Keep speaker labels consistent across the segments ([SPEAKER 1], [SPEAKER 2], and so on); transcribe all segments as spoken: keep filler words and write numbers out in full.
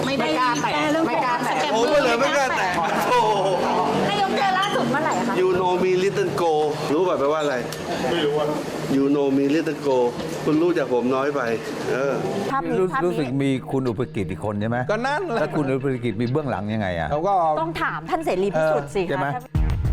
[SPEAKER 1] ไม่ได้กล้าแตะไม่กล้าแตะ
[SPEAKER 2] โอ้ไม่เลยไม่กล้าแตะโอ้
[SPEAKER 3] นายกเจอล่าสุดเมื่อไหร่คะ
[SPEAKER 2] ยูโนมีลิตเติ้ลโกรู้ป่ะแปลว่าอะไรไม่รู้ว่ายูโนมีลิตเติ้ลโกคุณรู้จากผมน้อยไปเออ
[SPEAKER 3] ภาพนี้
[SPEAKER 4] รู้
[SPEAKER 3] ภาพ
[SPEAKER 4] รู้สึก
[SPEAKER 3] นี้
[SPEAKER 4] มีคุณอุปกิจอีกคนใช่ไหม
[SPEAKER 5] ก็นั่นแหละ
[SPEAKER 4] แล้วคุณอุปกิจมีเบื้องหลังยังไงอ่ะ
[SPEAKER 5] เขาก็
[SPEAKER 3] ต้องถามท่านเสรีพิสุทธิ์สิ
[SPEAKER 4] ใช่ไหม
[SPEAKER 3] คะ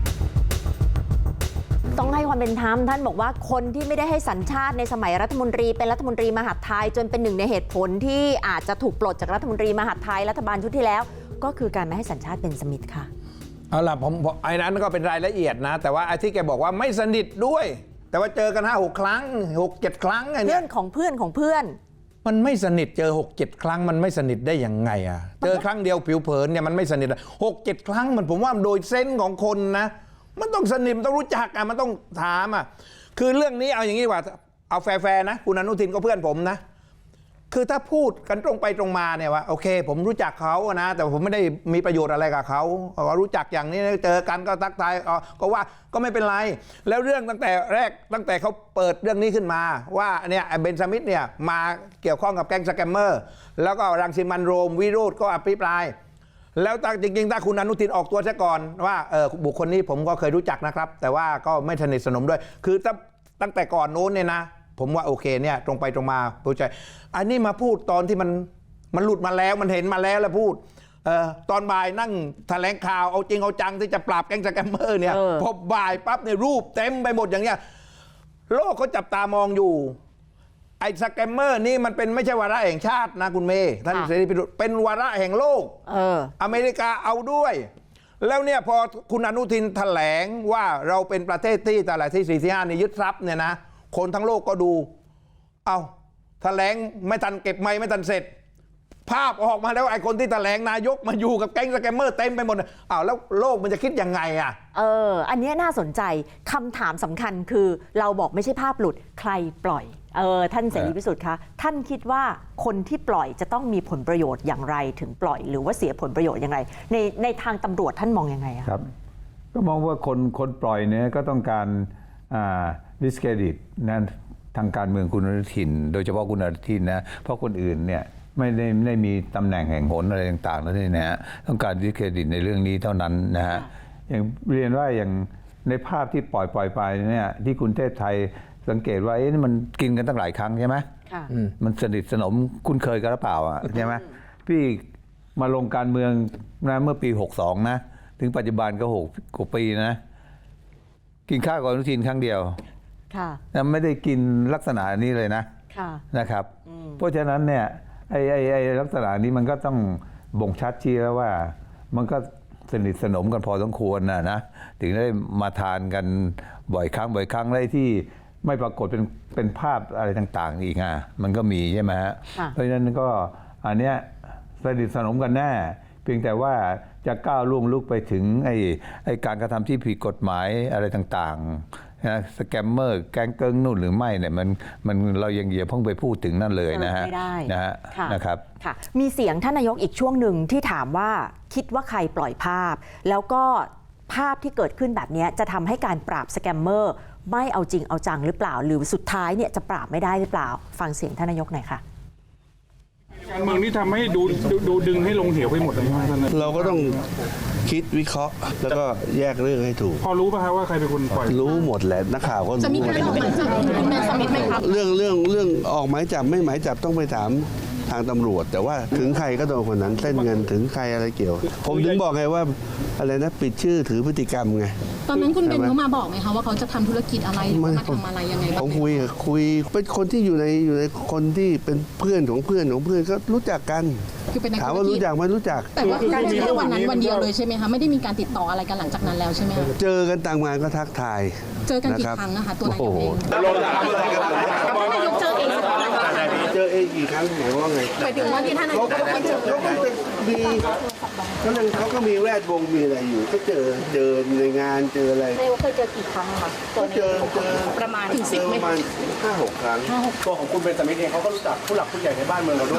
[SPEAKER 3] ต้องให้ความเป็นธรรมท่านบอกว่าคนที่ไม่ได้ให้สัญชาติในสมัยรัฐมนตรีเป็นรัฐมนตรีมหาดไทยจนเป็นหนึ่งในเหตุผลที่อาจจะถูกปลดจากรัฐมนตรีมหาดไทยรัฐบาลชุดที่แล้ว ก็คือการไม่ให้สัญชาติเป็นสมิธค่ะ
[SPEAKER 5] เอาล่ะผมไอ้นั้นก็เป็นรายละเอียดนะ แต่ว่าไอ้ที่แกบอกว่าไม่สนิทด้วย แต่ว่าเจอกันห้าหกครั้งหกเจ็ดครั้งไอ้
[SPEAKER 3] เพื่
[SPEAKER 5] เนี่
[SPEAKER 3] อย นของเพื่อนของเพื่อน
[SPEAKER 5] มันไม่สนิทเจอหกเจ็ดครั้งมันไม่สนิทได้ยังไงอ่ะเจอครั้งเดียวผิวเผินเนี่ยมันไม่สนิทหกเจ็ดครั้งมันผมว่าโดยเซนส์ของคนนะมันต้องสนิทมันต้องรู้จักอ่ะมันต้องถามอ่ะคือเรื่องนี้เอาอย่างนี้ดีกว่าเอาแฟร์ๆนะคุณอนุทินก็เพื่อนผมนะคือถ้าพูดกันตรงไปตรงมาเนี่ยว่าโอเคผมรู้จักเขานะแต่ผมไม่ได้มีประโยชน์อะไรกับเขาเขารู้จักอย่างนี้เจอกันก็ทักทายก็ว่าก็ไม่เป็นไรแล้วเรื่องตั้งแต่แรกตั้งแต่เขาเปิดเรื่องนี้ขึ้นมาว่าเนี่ยเบนซามิธเนี่ยมาเกี่ยวข้องกับแก๊งสแกมเมอร์แล้วก็รังสิมันโรมวิโรจน์ก็อภิปรายแล้วจริงๆถ้าคุณอนุทินออกตัวซะก่อนว่าเออบุคคลนี้ผมก็เคยรู้จักนะครับแต่ว่าก็ไม่สนิทสนมด้วยคือตั้งแต่ก่อนโน้นเนี่ยนะผมว่าโอเคเนี่ยตรงไปตรงมาพูดใจอันนี้มาพูดตอนที่มันมันหลุดมาแล้วมันเห็นมาแล้วแล้วพูดเอ่อตอนบ่ายนั่งแถลงข่าวเอาจริงเอาจังที่จะปราบแก๊งสแกมเมอร์เนี่ยพอบ่ายปั๊บเนี่ยรูปเต็มไปหมดอย่างเงี้ยโลกเขาจับตามองอยู่ไอ้สแกมเมอร์นี่มันเป็นไม่ใช่วาระแห่งชาตินะคุณเมย์ท่านเสรีพิสุทธิ์เป็นวาระแห่งโลก
[SPEAKER 3] เออ
[SPEAKER 5] อเมริกาเอาด้วย แล้วเนี่ยพอคุณอนุทินแถลงว่าเราเป็นประเทศที่ตลาดที่สี่ที่ห้านี่ยึดทรัพย์เนี่ยนะคนทั้งโลกก็ดูเอาแถลงไม่ทันเก็บไม้ไม่ทันเสร็จ ภาพออกมาแล้วไอ้คนที่แถลงนายกมาอยู่กับแก๊งสแกมเมอร์เต็มไปหมดอ้าวแล้วโลกมันจะคิดยังไงอ่ะ
[SPEAKER 3] เอออันนี้น่าสนใจคำถามสำคัญคือเราบอกไม่ใช่ภาพหลุดใครปล่อยเออท่านเสรีพิสุทธิ์คะท่านคิดว่าคนที่ปล่อยจะต้องมีผลประโยชน์อย่างไรถึงปล่อยหรือว่าเสียผลประโยชน์อย่างไรในในทางตำรวจท่านมองยังไงอะ
[SPEAKER 4] ครับก็มองว่าคนคนปล่อยเนี่ยก็ต้องการดิสเครดิตนั่นทางการเมืองคุณอนุทินโดยเฉพาะคุณอนุทินนะเพราะคนอื่นเนี่ยไม่ได้ไม่ได้มีตำแหน่งแห่งหนอะไรต่างๆนั่นเองนะฮะต้องการดิสเครดิตในเรื่องนี้เท่านั้นนะฮะอย่างเรียนว่าอย่างในภาพที่ปล่อยปล่อยไปเนี่ยที่คุณเทพไทยสังเกตว่าเอ๊ะมันกินกันตั้งหลายครั้งใช่ไหมมันสนิทสนมคุ้นเคยกันหรือเปล่าอ่ะใช่ไหมพี่มาลงการเมืองนะเมื่อปีหกสองนะถึงปัจจุบันก็หกกว่าปีนะกินข้าวกับอนุทินครั้งเดียวแต่ไม่ได้กินลักษณะนี้เลยนะนะครับเพราะฉะนั้นเนี่ยไอ้ไอ้ไอ้ลักษณะนี้มันก็ต้องบ่งชัดชี้แล้วว่ามันก็สนิทสนมกันพอสมควรนะนะถึงได้มาทานกันบ่อยครั้งบ่อยครั้งได้ที่ไม่ปรากฏเป็นเป็นภาพอะไรต่างๆอีกอ่ะมันก็มีใช่ไหมฮะเพราะฉะนั้นก็อันเนี้ยสนิทสนมกันแน่เพียงแต่ว่าจะก้าวล่วงลุกไปถึงไอ้ไอ้การกระทำที่ผิดกฎหมายอะไรต่างๆนะสแกมเมอร์แก๊งเกิ้งนู่นหรือไม่เนี่ยมันมันเรายังอย่าเพิ่งไปพูดถึงนั่นเลยนะฮะนะฮะนะครับ
[SPEAKER 3] มีเสียงท่านนายกอีกช่วงหนึ่งที่ถามว่าคิดว่าใครปล่อยภาพแล้วก็ภาพที่เกิดขึ้นแบบนี้จะทำให้การปราบสแกมเมอร์ไม่เอาจริงเอาจังหรือเปล่าหรือสุดท้ายเนี่ยจะปราบไม่ได้หรือเปล่าฟังเสียงท่านนายกหน่อยค่ะ
[SPEAKER 6] การเมืองนี่ทำให้ดูดูดึงให้ลงเหวไปหมดเลยท่าน
[SPEAKER 2] เราก็ต้องคิดวิเคราะห์แล้วก็แยกเรื่องให้ถูก
[SPEAKER 6] พอรู้ป่ะครับว่าใครเป็นคนปล่อย
[SPEAKER 2] รู้หมดแหละนักข่าวก็รู้
[SPEAKER 1] จะมีการออกหมายจับคุณเบนซามิธไหมครับ
[SPEAKER 2] เรื่องเรื่องเรื่องออกหมายจับไม่หมายจับต้องไปถามทางตำรวจแต่ว่าถึงใครก็โดนคนนั้นเส้นเงินถึงใครอะไรเกี่ยวผมถึงบอกไงว่าอะไรนะปิดชื่อถือพฤติกรรมไง
[SPEAKER 1] ตอนนั้นคุณเบนเขามาบอกไหมคะว่าเขาจะทำธุรกิจอะไรหรือมาทำอะไรยังไงบ้าง
[SPEAKER 2] ผมคุยคุยเป็นคนที่อยู่ในอยู่ในคนที่เป็นเพื่อนของเพื่อนของเพื่อนก็รู้จักกันถามว่ารู้จักไหมรู้จัก
[SPEAKER 1] แต่ว่าการแค่วันนั้นวันเดียวเลยใช่ไหมคะไม่ได้มีการติดต่ออะไรกันหลังจากนั้นแล้วใช่ไหมคะ
[SPEAKER 2] เจอกันต่างงานก็ทักทาย
[SPEAKER 1] เจอกันกี่ครั้งนะคะตัวนายกเองนายกเจอเอง
[SPEAKER 2] เจอเองกี่ครั้งหมายว่าไง
[SPEAKER 1] หมายถึงว่าที่ท่านนายกเขาก็เจอ
[SPEAKER 2] เขาก็จะมีเขาเลยเขาก็มีแวดวงมีอะไรอยู่ก็เจอเจอในงานเจออะไร
[SPEAKER 3] นายกเคยเจอกี่ครั้งคะ
[SPEAKER 2] ก็เจอเจอ
[SPEAKER 1] ประมาณถึงสิบ
[SPEAKER 2] ประมาณห้าหกครั้ง
[SPEAKER 7] ตัวของคุณเบนซามิธเองเขาก็รู้จักผู้หลักผู้ใหญ่ในบ้านเมืองเราด้วย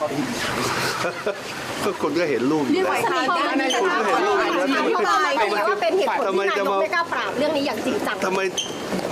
[SPEAKER 2] ก็คนก็เห็นรูปอยู่แล้วคนก็เห็นรูปอยู่แล้ว
[SPEAKER 1] ทำไมว่าเป็นเหตุผลที่นายกไม่กล้าปราบเรื่องนี้อย่างจริงจัง
[SPEAKER 2] ทำไม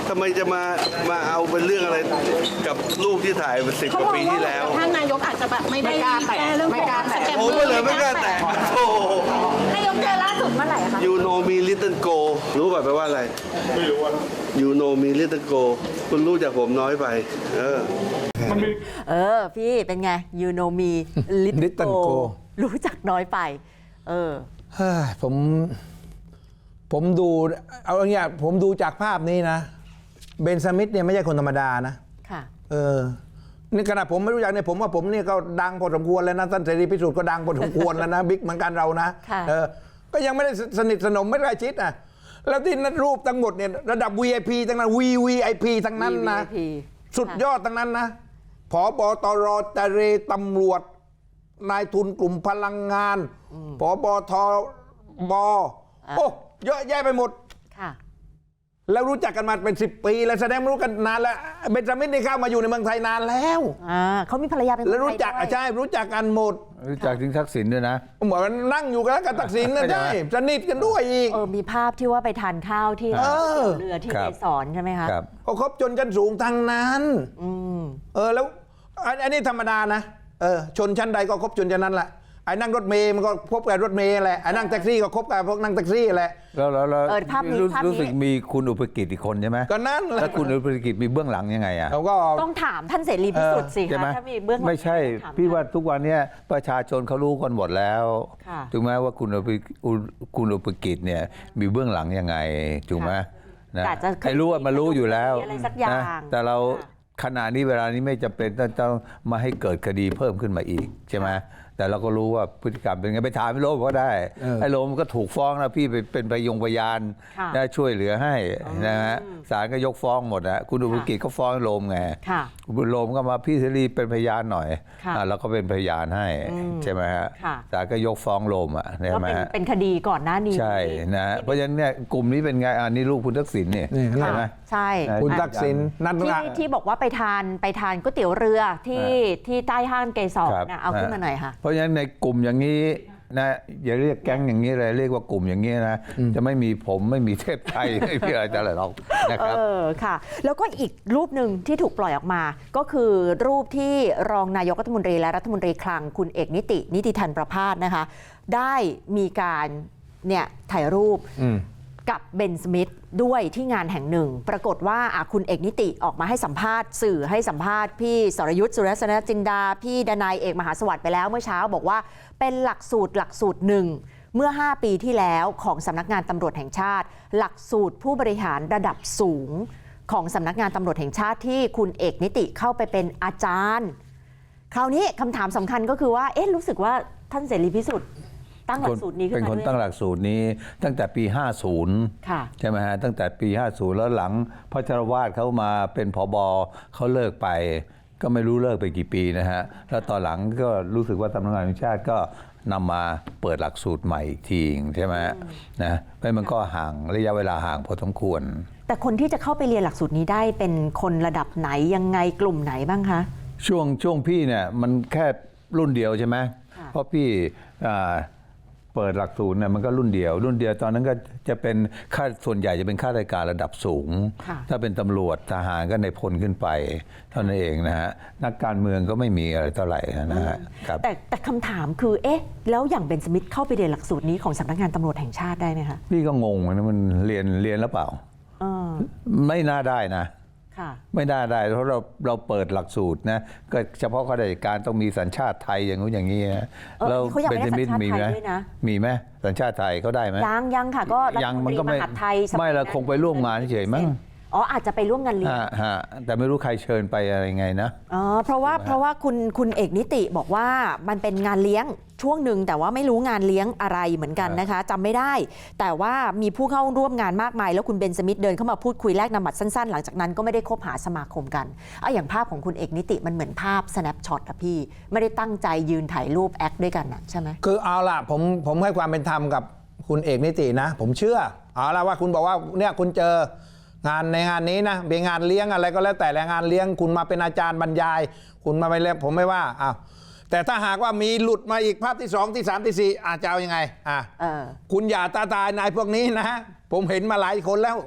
[SPEAKER 2] ทำไมจะมามาเอาเป็นเรื่องอะไรกับรูปที่ถ่ายมาสิบกว่าปีที่แล้ว
[SPEAKER 1] ท่านนายกอาจจะแบบไม่ได้แก้เรื่องของสแกม
[SPEAKER 2] ผม
[SPEAKER 1] เมอ
[SPEAKER 2] ก็
[SPEAKER 1] ร์
[SPEAKER 2] เลยไม่กล้าแตะโอ้โห
[SPEAKER 3] นายกเจอล่าสุดเมื่อไหร่คะ
[SPEAKER 2] ยูโนมีลิตเติ้ลโกรู้ป่ะแปลว่าอะไรไม่รู้ว่ายูโนมีลิตเติ้ลโกคุณรู้จากผมน้อยไปเออ
[SPEAKER 3] เออ พี่เป็นไง you know me
[SPEAKER 5] Little
[SPEAKER 3] little
[SPEAKER 5] Go
[SPEAKER 3] go รู้จักน้อยไป เออ
[SPEAKER 5] เฮ้ยผมผมดูเอาอย่างเงี้ยผมดูจากภาพนี้นะเบนสมิธเนี่ยไม่ใช่คนธรรมดานะ
[SPEAKER 3] ค่ะ
[SPEAKER 5] เออนี่ขนาดผมไม่รู้จักเนี่ยผมว่าผมเนี่ยก็ดังพอสมควรแล้วนะท่านเสรีพิสุทธิ์ก็ดังพอสมควรแล้วนะ บิ๊กเหมือนกันเรานะ
[SPEAKER 3] ค่ะ
[SPEAKER 5] เออก็ยังไม่ได้สนิทสนมไม่ได้ใกล้ชิดอ่ะแล้วที่นัดรูปทั้งหมดเนี่ยระดับ วี ไอ พี ทั้งนั้น วี วี ไอ พี ทั้งนั้นนะ
[SPEAKER 3] วี วี ไอ พี
[SPEAKER 5] สุดยอดทั้งนั้นนะผบตรเจรตำรวจนายทุนกลุ่มพลังงานผบทบโอ้เยอะแยะไปหมด
[SPEAKER 3] ค่ะ
[SPEAKER 5] แล้วรู้จักกันมาเป็นสิบปีแล้วแสดงรู้กันนานแล้วเบนจามินนี่เข้ามาอยู่ในเมืองไทยนานแล้ว
[SPEAKER 3] อ่าเขามีภรรยาเป็นคน
[SPEAKER 5] แล้วรู้จัก
[SPEAKER 3] ไทยด้วย
[SPEAKER 5] ใช่รู้จักกันหมด
[SPEAKER 4] รู้จักถึงทักษิณด้วยนะ
[SPEAKER 5] เหมือนนั่งอยู่กันกับตักสินนะ
[SPEAKER 4] ใช่
[SPEAKER 5] ใช่
[SPEAKER 4] ไหม
[SPEAKER 5] สนิทกันด้วยอีก
[SPEAKER 3] เออ มีภาพที่ว่าไปทานข้าวที่
[SPEAKER 5] เออ
[SPEAKER 3] เรือที่
[SPEAKER 4] ครั
[SPEAKER 3] เก
[SPEAKER 4] บ
[SPEAKER 3] สรใช่ไหมคะ
[SPEAKER 4] ครับ
[SPEAKER 5] เขาคบจนชั้นสูงทางนั้น
[SPEAKER 3] อืม
[SPEAKER 5] เออแล้วอันอันนี้ธรรมดานะเออชนชั้นใดก็คบชนชั้นนั้นแหละไอ้นั่งรถเมย์มันก็คบกับรถเมย์แหละไอ้นั่งแท็กซี่ก็คบกับพวกนั่งแท็กซี่แหละ
[SPEAKER 4] แล้วแล้วแล้ว
[SPEAKER 3] เออภาพนี้
[SPEAKER 4] รู้
[SPEAKER 3] ภาพนี้
[SPEAKER 4] รู้สึกมีคุณอุปกิจอีกคนใช่ไหม
[SPEAKER 5] ก็นั่นแหละ
[SPEAKER 4] แล้วคุณอุปกิจมีเบื้องหลังยังไงอ่ะ
[SPEAKER 5] เราก็
[SPEAKER 3] ต้องถามท่านเสรีพิสุทธิ์สิ
[SPEAKER 4] ใช่ไหม
[SPEAKER 3] คะถ้ามีเบื้องหลัง
[SPEAKER 4] ไม่ใช่
[SPEAKER 3] ต้องถาม
[SPEAKER 4] พี่
[SPEAKER 3] ท่น
[SPEAKER 4] ว่าทุกวันเนี้ยประชาชนเขารู้กันหมดแล้ว
[SPEAKER 3] ค่ะ
[SPEAKER 4] ถูกไหมว่าคุณอุปอุคุณอุปกิจเนี่ยมีเบื้องหลังยังไงถูกไหมนะ
[SPEAKER 3] อาจจะ
[SPEAKER 4] ใครรู้ว่ามารู้อยู่แล้ว
[SPEAKER 3] อะไรสักอย่าง
[SPEAKER 4] นะแต่เรา
[SPEAKER 3] ค่ะ
[SPEAKER 4] ขณะนี้เวลานี้ไม่จำเป็นต้องต้องมาให้เกิดคดีเพิ่มขึ้นมาอีกใช่ไหมแต่เราก็รู้ว่าพฤติกรรมเป็นไงไปถามไอ้โรมก็ได้ไอ้โรมก็ถูกฟ้องนะพี่ไปเป็นพยงพยาน
[SPEAKER 3] ค่ะ
[SPEAKER 4] ได้ช่วยเหลือให้นะฮะศาลก็ยกฟ้องหมดนะคุณอุปกิจก็ฟ้องโรมไง
[SPEAKER 3] ค่ะ
[SPEAKER 4] คุณโรมก็มาพี่เสรีเป็นพยานหน่อย
[SPEAKER 3] ค่ะ
[SPEAKER 4] อ่ะเราก็เป็นพยานให้ใช่ไหมฮะ
[SPEAKER 3] ค่ะ
[SPEAKER 4] ศาลก็ยกฟ้องโรมอ่ะใช่
[SPEAKER 3] ก็
[SPEAKER 4] ไหม
[SPEAKER 3] เป็น
[SPEAKER 4] ฮะ
[SPEAKER 3] เป็นคดีก่อนหน้านี้
[SPEAKER 4] ใช่นะเพราะฉะนั้นเนี่ยกลุ่มนี้เป็นไงอันนี้ลูกคุณทักษิณเนี่ย
[SPEAKER 5] นี่
[SPEAKER 4] ใช่ไหม
[SPEAKER 3] ใช่
[SPEAKER 4] อ่ะ
[SPEAKER 5] คุณทักษิณนั่น
[SPEAKER 3] ที่
[SPEAKER 5] ละ
[SPEAKER 3] ที่บอกว่าไปทานไปทานก๋วยเตี๋ยวเรือที่ที่ใต้ห้างเกสร
[SPEAKER 4] ครับ
[SPEAKER 3] นะเอาขึ้นมาหน่อยค่ะ
[SPEAKER 4] เพราะฉะนั้นในกลุ่มอย่างนี้นะอย่าเรียกแก๊งอย่างนี้เลยเรียกว่ากลุ่มอย่างนี้นะจะไม่มีผมไม่มีเทพไทย ไม่มีอะไรแต่ละหรอกนะครับ
[SPEAKER 3] เออค่ะ แล้วก็อีกรูปหนึ่งที่ถูกปล่อยออกมา ก็คือรูปที่รองนายกรัฐมนตรีและรัฐมนตรีคลังคุณเอกนิตินิติธันประภาสนะคะ ได้มีการเนี่ยถ่ายรูปกับเบนสมิธด้วยที่งานแห่งหนึ่ง ปรากฏว่าอ่ะคุณเอกนิติออกมาให้สัมภาษณ์สื่อให้สัมภาษณ์พี่สรยุทธ์สุรสนจินดาพี่ดนายเอกมหาสวัสดิ์ไปแล้วเมื่อเช้าบอกว่าเป็นหลักสูตรหลักสูตรหนึ่งเมื่อห้าปีที่แล้วของสำนักงานตำรวจแห่งชาติ หลักสูตรผู้บริหารระดับสูงของสำนักงานตำรวจแห่งชาติที่คุณเอกนิติเข้าไปเป็นอาจารย์ คราวนี้คำถามสำคัญก็คือว่าเอ๊ะรู้สึกว่าท่านเสรีพิสุทธิ์ตั้งหลักสูตรนี้ขึ้น
[SPEAKER 4] เป็น
[SPEAKER 3] มา
[SPEAKER 4] คน
[SPEAKER 3] ด้วย
[SPEAKER 4] ตั้งหลักสูตรนี้ตั้งแต่ปี ห้าสิบ
[SPEAKER 3] ค่ะ
[SPEAKER 4] ใช่ไหมฮะตั้งแต่ปี ห้าสิบ แล้วหลังพระชรวาทเขามาเป็นผบเขาเลิกไป ก็ไม่รู้เลิกไปกี่ปีนะฮะแล้วตอนหลังก็รู้สึกว่าสำนักงานตำรวจแห่งชาติก็นำมาเปิดหลักสูตรใหม่อีกทีใช่ไหมนะไม่มันก็ห่างระยะเวลาห่างพอสมควร
[SPEAKER 3] แต่คนที่จะเข้าไปเรียนหลักสูตรนี้ได้เป็นคนระดับไหนยังไงกลุ่มไหนบ้างคะ
[SPEAKER 4] ช่วงช่วงพี่เนี่ยมันแค่รุ่นเดียวใช่ไหม
[SPEAKER 3] ค่ะ
[SPEAKER 4] เพราะพี่อ่าเปิดหลักสูตรเนี่ยมันก็รุ่นเดียว รุ่นเดียวตอนนั้นก็จะเป็นข้าส่วนใหญ่จะเป็นข้าราชการระดับสูง
[SPEAKER 3] ค่ะ
[SPEAKER 4] ถ้าเป็นตำรวจทหารก็ในพลขึ้นไปเท่านั้นเองนะฮะนักการเมืองก็ไม่มีอะไรเท่าไหร่นะฮะครับ
[SPEAKER 3] แต่แต่คำถามคือเอ๊ะแล้วอย่างเบนสมิธเข้าไปเรียนหลักสูตรนี้ของสำนักงานตำรวจแห่งชาติได้ไหมคะ
[SPEAKER 4] พี่ก็งงนะมันเรียนเรียนแล้วเปล่า
[SPEAKER 3] เออ
[SPEAKER 4] ไม่น่าได้นะ
[SPEAKER 3] ค่ะ
[SPEAKER 4] ไม่น่าได้เพราะเราเราเปิดหลักสูตรนะก็เฉพาะข้าราชการต้องมีสัญชาติไทยอย่างนู้นอย่างนี้นะ
[SPEAKER 3] เออ
[SPEAKER 4] แล้ว
[SPEAKER 3] เขาอยากได้สัญชาติ
[SPEAKER 4] มี
[SPEAKER 3] ไทย
[SPEAKER 4] ไหม
[SPEAKER 3] ด้วยนะ
[SPEAKER 4] มีไหมสัญชาติไทยเขาได้ไหม
[SPEAKER 3] ยังยังค่ะก็รัฐ
[SPEAKER 4] ยัง
[SPEAKER 3] ม
[SPEAKER 4] มัน
[SPEAKER 3] นต
[SPEAKER 4] ก็
[SPEAKER 3] รีม
[SPEAKER 4] ไม่
[SPEAKER 3] หาดไทยส
[SPEAKER 4] ไม่เราคงไปร่วมงานเฉยๆมั้ง
[SPEAKER 3] อ๋ออาจจะไปร่วมงานเลี้ยง
[SPEAKER 4] ฮะฮะแต่ไม่รู้ใครเชิญไปอะไรไงนะ
[SPEAKER 3] อ๋อเพราะว่าเพราะว่าคุณคุณเอกนิติบอกว่ามันเป็นงานเลี้ยงช่วงหนึ่งแต่ว่าไม่รู้งานเลี้ยงอะไรเหมือนกันนะคะจำไม่ได้ แต่ว่ามีผู้เข้าร่วมงานมากมายแล้วคุณเบนสมิธเดินเข้ามาพูดคุยแลกนามบัตรสั้นๆ หลังจากนั้นก็ไม่ได้คบหาสมาคมกันเอาอย่างภาพของคุณเอกนิติมันเหมือนภาพ snapshot อะพี่ไม่ได้ตั้งใจยืนถ่ายรูปแอคด้วยกันนะใช่ไหม
[SPEAKER 5] คือเอาล่ะผมผมให้ความเป็นธรรมกับคุณเอกนิตินะ ผมเชื่อเอาล่ะว่าคุณบอกว่าเนี่ยคุณเจองานในงานนี้นะเป็นงานเลี้ยงอะไรก็แล้วแต่แหละงานเลี้ยงคุณมาเป็นอาจารย์บรรยาย คุณมาไปแล้วผมไม่ว่าอ้าวแต่ถ้าหากว่ามีหลุดมาอีกภาพที่สองที่สามที่สี่อาจจะเอายังไงอ่ะ
[SPEAKER 3] เออ
[SPEAKER 5] คุณอย่าตาตายนายพวกนี้นะ ผมเห็นมาหลายคนแล้ว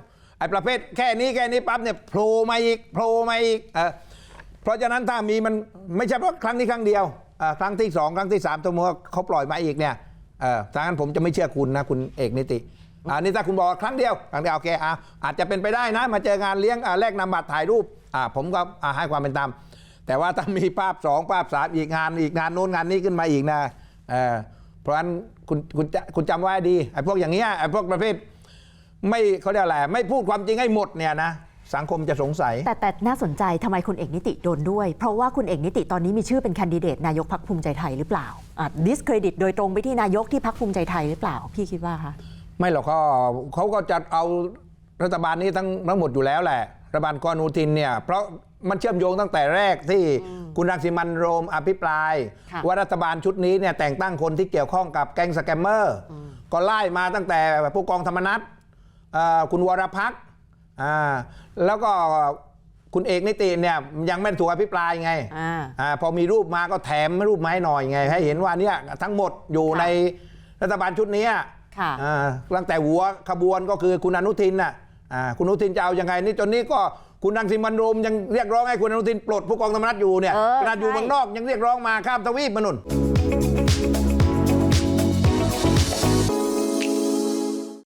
[SPEAKER 5] อ้ประเภทแค่นี้แค่นี้ปั๊บเนี่ยโผล่มาอีกโผล่มาอีกเออเพราะฉะนั้นถ้ามีมันไม่ใช่เพราะครั้งนี้ครั้งเดียวเอ่อครั้งที่สองครั้งที่สามตัวมัวเขาปล่อยมาอีกเนี่ยเออถ้างั้นผมจะไม่เชื่อคุณนะคุณเอกนิติอันนี้ถ้าคุณบอกครั้งเดียวครั้งเดียวโอเคอ่ะอาจจะเป็นไปได้นะมาเจองานเลี้ยงอ่ะแลกนำบัตรถ่ายรูปอ่ะผมก็อ่ะให้ความเป็นธรรมแต่ว่าถ้ามีภาพสองภาพสามอีกงานอีกงานโน้นงานนี้ขึ้นมาอีกนะเออเพราะฉะนั้นคุณคุณคุณจำไว้ดีไอ้พวกอย่างเงี้ยไอ้พวกประเภทไม่เขาเรียกอะไรไม่พูดความจริงให้หมดเนี่ยนะสังคมจะสงสัย
[SPEAKER 3] แต่แต่น่าสนใจทำไมคุณเอกนิติโดนด้วยเพราะว่าคุณเอกนิติตอนนี้มีชื่อเป็นแคนดิเดตนายกพรรคภูมิใจไทยหรือเปล่าอ่ะดิสเครดิตโดยตรงไปที่นายกที่พรรคภูมิใจไทยหรือเปล่าพี่คิดว่าคะ
[SPEAKER 5] ไม่หรอกเขาเขาก็จะเอารัฐบาลนี้ทั้งทั้งหมดอยู่แล้วแหละรัฐบาลกอนูทินเนี่ยเพราะมันเชื่อมโยงตั้งแต่แรกที่คุณรังสิมันต์โรมอภิปรายว่ารัฐบาลชุดนี้เนี่ยแต่งตั้งคนที่เกี่ยวข้องกับแก๊งสแกมเมอร์ก็ไล่มาตั้งแต่ผู้กองธรรมนัสคุณวรพักษ์แล้วก็คุณเอกนิติเนี่ยยังไม่ถูกอภิปรายไงอพอมีรูปมาก็แถมรูปมาให้หน่อยไงให้เห็นว่าเนี่ยทั้งหมดอยู่ในรัฐบาลชุดนี้ตั้งแต่หัวขบวนก็คือคุณอนุทินน่ะคุณอนุทินจะเอายังไงนี่จนนี้ก็คุณรังสิมันต์โรมยังเรียกร้องให้คุณอนุทินปลดผู้กองธรรมนัสอยู่เนี่ยขนาดอยู่เมืองนอกยังเรียกร้องมาข้ามทวีปมานุ่น